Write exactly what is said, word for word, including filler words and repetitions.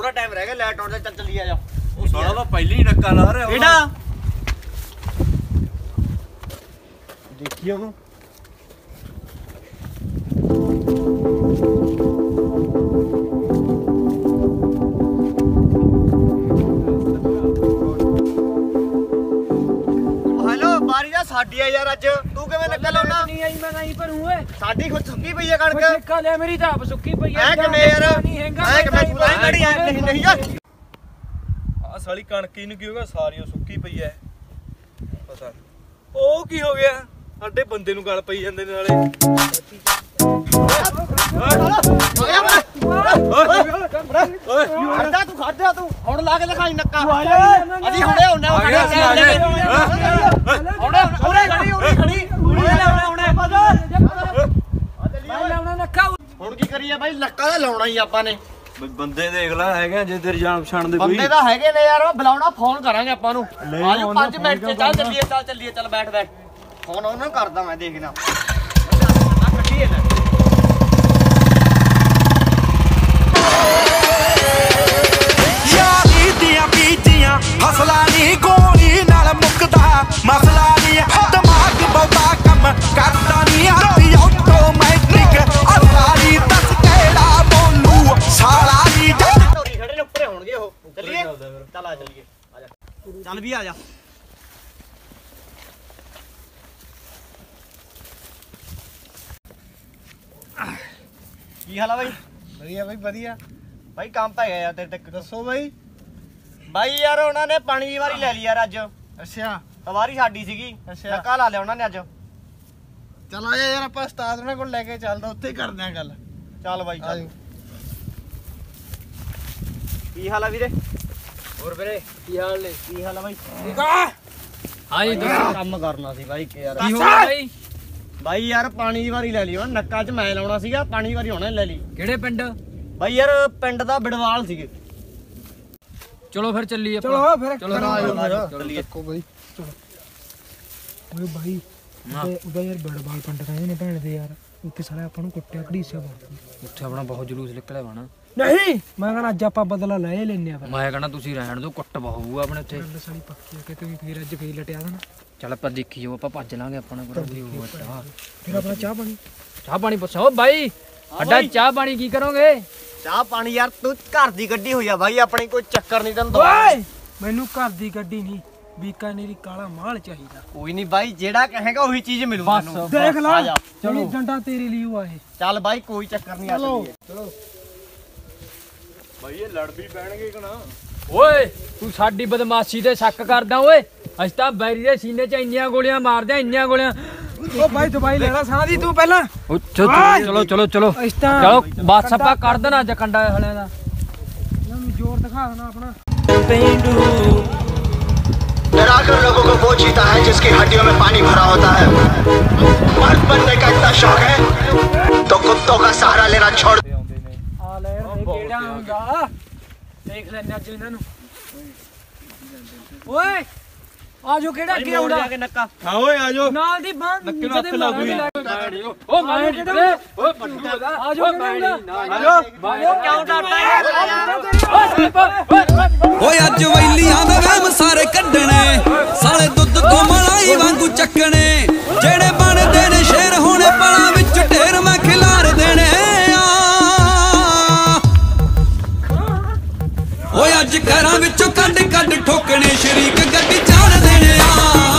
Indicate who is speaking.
Speaker 1: थोड़ा टाइम रह गया लाइट आउट चल चली आ जा
Speaker 2: साला तो पहले ही नक्का ला रहा है
Speaker 1: एडा देखिए वो साडी है यार अज तू किवें नक्का लाउना
Speaker 3: नहीं आई मैं नहीं पर हूं
Speaker 1: साडी खुद सुक्की पई है कणक
Speaker 3: ठेका ले मेरी तो आप सुक्की पई है
Speaker 1: ऐ किवें यार ऐ किवें तू लाई गड़ी है नहीं नहीं यार
Speaker 2: आ साली कणक ही नु की होगा सारी सुक्की पई है पता ओ की हो गया ਸਾਡੇ ਬੰਦੇ ਨੂੰ ਗਲ ਪਈ ਜਾਂਦੇ ਨੇ ਨਾਲੇ
Speaker 1: ਓਏ ਖੜਦਾ ਤੂੰ ਖੜਦਾ ਤੂੰ ਹੁਣ ਲਾ ਕੇ ਦਿਖਾਈ ਨੱਕਾ ਅਸੀਂ ਹੁਣੇ ਹੁੰਨੇ ਹੁਣੇ ਹੁਣੇ ਖੜੀ ਹੁਣੇ ਖੜੀ ਹੁਣੇ ਲਾਉਣਾ ਹੁਣੇ ਮੈਂ ਲਾਉਣਾ ਨੱਕਾ ਹੁਣ ਕੀ ਕਰੀਏ ਬਾਈ ਨੱਕਾ ਤਾਂ ਲਾਉਣਾ ਹੀ ਆਪਾਂ ਨੇ
Speaker 2: ਬੰਦੇ ਦੇਖ ਲੈ ਹੈਗੇ ਜੇ ਤੇਰੀ ਜਾਨ ਪਛਾਣ ਦੇ ਕੋਈ
Speaker 1: ਬੰਦੇ ਤਾਂ ਹੈਗੇ ਨੇ ਯਾਰ ਬੁਲਾਉਣਾ ਫੋਨ ਕਰਾਂਗੇ ਆਪਾਂ ਨੂੰ ਆਜੋ ਪੰਜ ਮਿੰਟ ਚ ਚੱਲ ਚੱਲੀਏ ਚੱਲ ਚੱਲੀਏ ਚੱਲ ਬੈਠ ਬੈਠ ਫੋਨ ਉਹਨਾਂ ਨੂੰ ਕਰਦਾ ਮੈਂ ਦੇਖਣਾ ਆ ਕੱਢੀਏ ਨਾ
Speaker 4: ਯਾਰੀ ਦੀਆਂ ਬੀਜੀਆਂ ਹਸਲਾ ਨਹੀਂ ਗੋਲੀ ਨਾਲ ਮੁੱਕਦਾ ਮਸਲਾ ਨਹੀਂ ਦਿਮਾਗ ਬਹੁਤਾ ਕੰਮ ਕਰਦਾ ਨਹੀਂ ਹੱਥ ਆਟੋਮੈਟਿਕ ਅਸਾਰੀ ਦੱਸ ਕਿਹੜਾ ਬੋਲੂ ਸਾਲਾ ਨਹੀਂ
Speaker 1: ਢੋਰੀ ਖੜੇ ਨੇ ਉੱਪਰੇ ਹੋਣਗੇ ਉਹ ਚੱਲੀਏ ਚੱਲ ਆ ਚੱਲੀਏ ਆ ਜਾ ਚੱਲ ਵੀ ਆ ਜਾ ਕੀ ਹਾਲ ਆ ਬਾਈ
Speaker 3: ਵਧੀਆ ਬਾਈ ਵਧੀਆ
Speaker 1: ਬਾਈ ਕੰਮ ਪੈ ਗਿਆ ਯਾਰ ਤੇਰੇ ਤੱਕ
Speaker 3: ਦੱਸੋ ਬਾਈ
Speaker 1: ਬਾਈ ਯਾਰ ਉਹਨਾਂ ਨੇ ਪਾਣੀ ਦੀ ਵਾਰੀ ਲੈ ਲਈ ਯਾਰ ਅੱਜ
Speaker 3: ਅੱਛਾ
Speaker 1: ਵਾਰੀ ਸਾਡੀ ਸੀਗੀ
Speaker 3: ਅੱਛਾ।
Speaker 1: ਨੱਕਾ ਲਾ ਲਿਆ ਉਹਨਾਂ ਨੇ ਅੱਜ
Speaker 3: ਚਲ ਆ ਯਾਰ ਆਪਾਂ ਉਸਤਾਦ ਉਹਨਾਂ ਕੋਲ ਲੈ ਕੇ ਚੱਲਦਾ ਉੱਥੇ ਕਰਦੇ ਆ ਗੱਲ
Speaker 1: ਚੱਲ ਬਾਈ ਚੱਲ
Speaker 3: ਆਜੋ
Speaker 1: ਕੀ ਹਾਲ ਆ ਵੀਰੇ
Speaker 3: ਹੋਰ ਵੀਰੇ ਕੀ ਹਾਲ ਨੇ
Speaker 1: ਕੀ ਹਾਲ ਆ ਬਾਈ
Speaker 3: ਠੀਕ ਆ
Speaker 1: ਹਾਂਜੀ ਦੱਸੋ ਕੰਮ ਕਰਨਾ ਸੀ ਬਾਈ ਕਿ ਯਾਰ
Speaker 3: ਕੀ ਹੋ ਗਿਆ ਬਾਈ
Speaker 1: ਬਾਈ ਯਾਰ ਪਾਣੀ ਦੀ ਵਾਰੀ ਲੈ ਲਈ ਹੁਣ ਨੱਕਾ 'ਚ ਮੈਂ ਲਾਉਣਾ ਸੀਗਾ ਪਾਣੀ ਦੀ ਵਾਰੀ ਹੋਣਾ ਲੈ ਲਈ
Speaker 3: ਕਿਹੜੇ ਪਿੰਡ
Speaker 1: ਬਾਈ ਯਾਰ ਪਿੰਡ ਦਾ ਬਿੜਵਾਲ ਸੀਗੇ
Speaker 3: ਚਲੋ ਫਿਰ ਚੱਲੀਏ ਚਲੋ ਫਿਰ ਚਲੋ
Speaker 1: ਚੱਲੀਏ
Speaker 3: ਦੇਖੋ ਬਾਈ ਚਲੋ ਓਏ ਬਾਈ ਉਹਦਾ ਯਾਰ ਬੜਵਾਲ ਪਿੰਡ ਕਹਿੰਦੇ ਨੇ ਭੈਣ ਦੇ ਯਾਰ ਉੱਥੇ ਸਾਲੇ ਆਪਾਂ ਨੂੰ ਕੁੱਟਿਆ ਘੜੀਸਿਆ ਬਹੁਤ ਉੱਥੇ ਆਪਣਾ ਬਹੁਤ ਜਲੂਸ ਨਿਕਲਿਆ ਵਾ ਨਾ ਨਹੀਂ ਮੈਂ ਕਹਿੰਦਾ ਅੱਜ ਆਪਾਂ ਬਦਲਾ ਲੈ ਲੈਨੇ ਆ ਫਿਰ ਮੈਂ ਕਹਿੰਦਾ ਤੁਸੀਂ ਰਹਿਣ ਦਿਓ ਕੁੱਟ ਬਹੁਗਾ ਆਪਣੇ ਉੱਥੇ ਗੱਲ ਸਾਲੀ ਪੱਕੀ ਆ ਕਿ ਤੁਸੀਂ ਫੇਰ ਅੱਜ ਫੇਰ ਲਟਿਆ ਦੇਣਾ ਚੱਲ ਆਪਾਂ ਦੇਖੀ ਜਾਓ ਆਪਾਂ ਭੱਜ ਲਾਂਗੇ ਆਪਣਾ ਕੋਲ ਵੀ ਉਹ ਅੱਟਾ ਫਿਰ ਆਪਣਾ ਚਾਹ ਪਾਣੀ ਚਾਹ ਪਾਣੀ ਪੁੱਛੋ ਬਾਈ ਅੱਡਾ ਚਾਹ ਪਾਣੀ ਕੀ ਕਰੋਗੇ
Speaker 1: ਚਾਹ ਪਾਣੀ ਯਾਰ ਤੂੰ ਘਰ ਦੀ ਗੱਡੀ ਹੋਈ ਆ ਬਾਈ ਆਪਣੀ ਕੋਈ ਚੱਕਰ ਨਹੀਂ ਤੈਨੂੰ
Speaker 3: ਓਏ ਮੈਨੂੰ ਘਰ ਦੀ ਗੱਡੀ ਨਹੀਂ ਬੀਕਾਨੇਰੀ ਕਾਲਾ ਮਾਲ ਚਾਹੀਦਾ
Speaker 1: ਕੋਈ ਨਹੀਂ ਬਾਈ ਜਿਹੜਾ ਕਹੇਗਾ ਉਹੀ ਚੀਜ਼ ਮਿਲੂ ਤੈਨੂੰ
Speaker 3: ਦੇਖ ਲੈ ਚਲੋ ਡੰਡਾ ਤੇਰੇ ਲਈ ਉਹ ਆਏ
Speaker 1: ਚੱਲ ਬਾਈ ਕੋਈ ਚੱਕਰ ਨਹੀਂ ਆ
Speaker 3: ਚਲੋ ਚਲੋ
Speaker 2: ਭਾਈ ਇਹ ਲੜ ਵੀ ਪੈਣਗੇ ਕਿ ਨਾ
Speaker 3: ਓਏ ਤੂੰ ਸਾਡੀ ਬਦਮਾਸ਼ੀ ਤੇ ਸ਼ੱਕ ਕਰਦਾ ਓਏ ਅਸੀਂ ਤਾਂ ਬੈਰੀ ਦੇ ਸੀਨੇ 'ਚ ਇੰਨੀਆਂ ਗੋਲੀਆਂ ਮਾਰਦੇ ਇੰਨੀਆਂ ਗੋਲੀਆਂ ਓ ਬਾਈ ਦਵਾਈ ਲੈ ਲੈ ਸਾਹ ਦੀ ਤੂੰ ਪਹਿਲਾਂ ਚਲੋ ਚਲੋ ਚਲੋ ਚਲੋ ਬਸ ਆਪਾਂ ਕਰ ਦੇਣਾ ਜਕੰਡਾ ਹਲਿਆਂ ਦਾ ਮੈਨੂੰ ਜ਼ੋਰ ਦਿਖਾ ਦੇਣਾ ਆਪਣਾ
Speaker 1: पेंडू डराकर लोगों को वो जीता है जिसकी हड्डियों में पानी भरा होता है मर्द बनने का इतना शौक है तो कुत्तों का सहारा लेना छोड़
Speaker 3: आ ले केड़ा आऊंगा देख लेने आज इन्हां नु ओए आजो केड़ा के आउंदा
Speaker 1: नक्का
Speaker 2: हां ओए आजो
Speaker 3: नाल दी बांध
Speaker 2: नक्के नु हत्थ लागू
Speaker 3: ओ मारे किधर ओए पट्टू आजो केड़ा आजो ओ क्यों डरता है
Speaker 4: ਓਏ ਅੱਜ ਵੈਲੀਆਂ ਦੇ ਵਹਿਮ ਸਾਰੇ ਕੱਢਣੇ ਸਾਲੇ ਦੁੱਧ ਤੋਂ ਮਲਾਈ ਵਾਂਗੂ ਚੱਕਣੇ ਜਿਹੜੇ ਬਣਦੇ ਨੇ ਸ਼ੇਰ ਹੋਣੇ ਪਲਾਂ ਵਿੱਚ ਢੇਰ ਮੈਂ ਖਿਲਾਰ ਦੇਣੇ ਆ ਓਏ ਅੱਜ ਘਰਾਂ ਵਿੱਚੋਂ ਕੱਢ ਕੱਢ ਠੋਕਣੇ ਸ਼ਰੀਕ ਗੱਡੀ ਚਾੜ ਦੇਣੇ ਆ